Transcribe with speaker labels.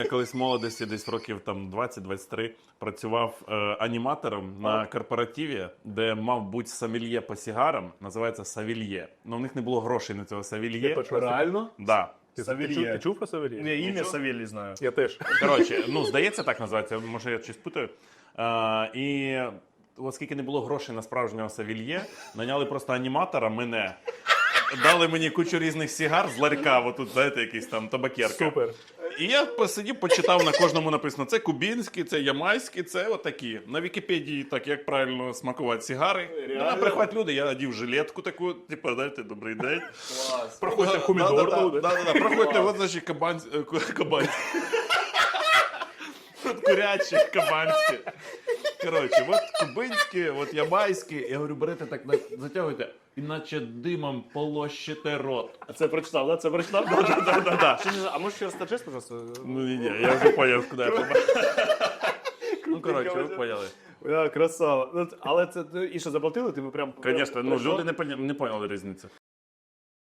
Speaker 1: Я колись в молодості, десь років там 20-23, працював аніматором на корпоративі, де мав бути сомельє по сигарам, називається Савільє. Ну, у них не було грошей на цього Савільє.
Speaker 2: Реально?
Speaker 1: Да.
Speaker 2: Савельє.
Speaker 3: Ти чув про Савельє?
Speaker 2: Я ім'я Савелій знаю.
Speaker 3: Я теж.
Speaker 1: Коротше, ну, здається, так називається, може я щось путаю. І оскільки не було грошей на справжнього Савільє, наняли просто аніматора, мене. Дали мені кучу різних сигар з ларька, отут, знаєте, якийсь там табакерка.
Speaker 3: Супер.
Speaker 1: І я посидів, почитав, на кожному написано, це кубінські, це ямайські, це отакі. На Вікіпедії так, як правильно смакувати сигари. Приходять люди, я одів жилетку таку, типу, знаєте, добрий день.
Speaker 3: Проходьте помідор.
Speaker 1: Да. Проходьте, от, значить, кабанські. Тут курячі, кабанські. Коротше, от кубинські, от ямайські. Я говорю, берете так, затягуйте, іначе димом полощите рот.
Speaker 2: А це прочитав, да? Це прочитав?
Speaker 1: Да.
Speaker 2: А можеш ще розкажеш, пожалуйста?
Speaker 1: Ну, ні, я вже поняв, куди я попав. Ну, коротше, ви поняли.
Speaker 2: Красава. Але це і що, заплатили? Ти прям...
Speaker 1: Звісно, ну, люди не поняли різницю.